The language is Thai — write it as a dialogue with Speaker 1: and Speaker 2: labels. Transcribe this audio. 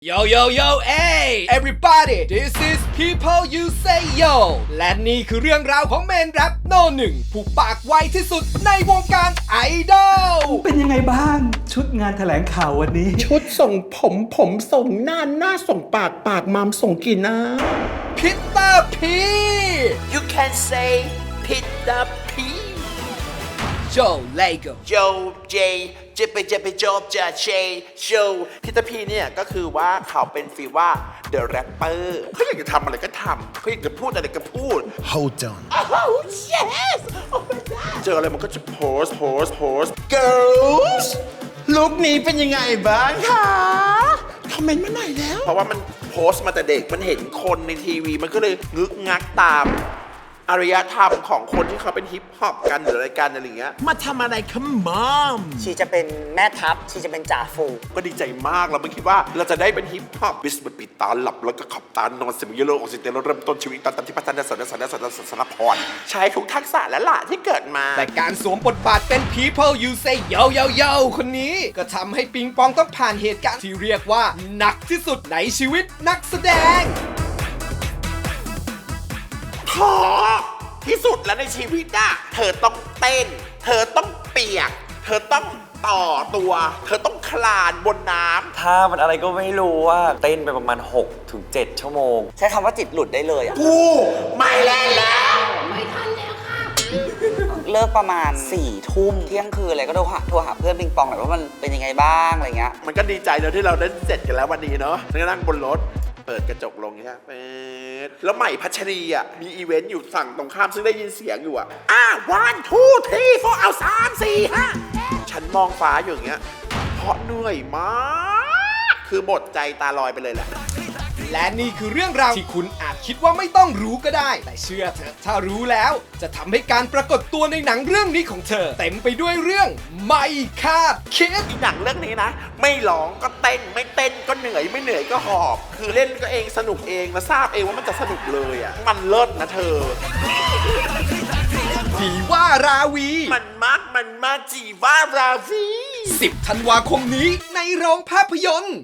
Speaker 1: Yo yo yo hey everybody this is people you say yo และนี่คือเรื่องราวของเมนแรปโนหนึ่งผู้ปากไวที่สุดในวงการไอดอล
Speaker 2: เป็นยังไงบ้างชุดงานแถลงข่าววันนี้
Speaker 3: ชุดส่งผมส่งหน้าส่งปากมัมส่งกินนะ
Speaker 1: พิตเตอร์พี
Speaker 4: You can say Peter P
Speaker 1: โจเลโก
Speaker 4: โจเจจะไปโจจะเชโชพีเตอร์พีเนี่ยก็คือว่าเขาเป็นฟีลว่า The Rapper เขาอยากจะทำอะไรก็ทำเขาอยากจะพูดอะไรก็พูด
Speaker 3: Hold on
Speaker 4: Oh yes Oh my god เจออะไรมันก็จะโพส Girls
Speaker 3: ลุคนี้เป็นยังไงบ้างคะคอมเมนต์มาหน่อยแล้ว
Speaker 4: เพราะว่ามันโพสต์มาแต่เด็กมันเห็นคนในทีวีมันก็เลยงึกงักตามอารยธรรมของคนที่เขาเป็นฮิปฮอปกันหรืออะไรกันอะไรอย่างเงี้ย
Speaker 3: มาทำอะไรคะมัม
Speaker 5: ชีจะเป็นแม่ทัพชีจะเป็นจ่าฝูง
Speaker 4: ก็ดีใจมากเราไม่คิดว่าเราจะได้เป็นฮิปฮอปบิสปิดตาหลับแล้วก็ขับตานอนเสมียโลออกซิเจนแล้วเริ่มต้นชีวิตตอนที่พัฒนาสารพรใช้ทุกทักษะและหละที่เกิดมา
Speaker 1: แต่การสวมบทบาทเป็น people you say yo yo yo คนนี้ก็ทำให้ปิงปองต้องผ่านเหตุการณ์ที่เรียกว่าหนักที่สุดในชีวิตนักแสดง
Speaker 4: ท้อที่สุดแล้วในชีวิตอะเธอต้องเต้นเธอต้องเปียกเธอต้องต่อตัวเธอต้องคลานบนน้ำ
Speaker 6: ถ้ามันอะไรก็ไม่รู้ว่าเต้นไปประมาณ 6-7 ชั่วโมง
Speaker 5: ใช้คำว่าจิตหลุดได้เลยอ่ะ
Speaker 4: กูไม่เล่นแล้ว
Speaker 5: เลิกประมาณ4 ทุ่มเที่ยงคืนอะไรก็โทรหาเพื่อนปิงปองหน่อยว่ามันเป็นยังไงบ้างอะไรเงี้ย
Speaker 4: มันก็ดีใจแล้วที่เราได้เสร็จกันแล้ววันนี้เนาะนั่งบนรถเปิดกระจกลงเนี่ยแล้วใหม่พัชรีอ่ะมีอีเวนต์อยู่ฝั่งตรงข้ามซึ่งได้ยินเสียงอยู่อ่ะ1 2 3 4เอา3 4 5ฉันมองฟ้าอยู่อย่างเงี้ยเพราะเหนื่อยมากคือหมดใจตาลอยไปเลยแหละ
Speaker 1: และนี่คือเรื่องราวที่คุณอาจคิดว่าไม่ต้องรู้ก็ได้แต่เชื่อเถอะถ้ารู้แล้วจะทำให้การปรากฏตัวในหนังเรื่องนี้ของเธอเต็มไปด้วยเรื่องไม่คาดคิด
Speaker 4: หนังเรื่องนี้นะไม่ร้องก็เต้นไม่เต้นก็เหนื่อยไม่เหนื่อยก็หอบคือเล่นก็เองสนุกเองและทราบเองว่ามันจะสนุกเลยอ่ะมันเลิศนะเธอ
Speaker 1: จีว่าราวี
Speaker 4: มันมากจีว่าราวี
Speaker 1: 10 ธันวาคมนี้ในโรงภาพยนตร์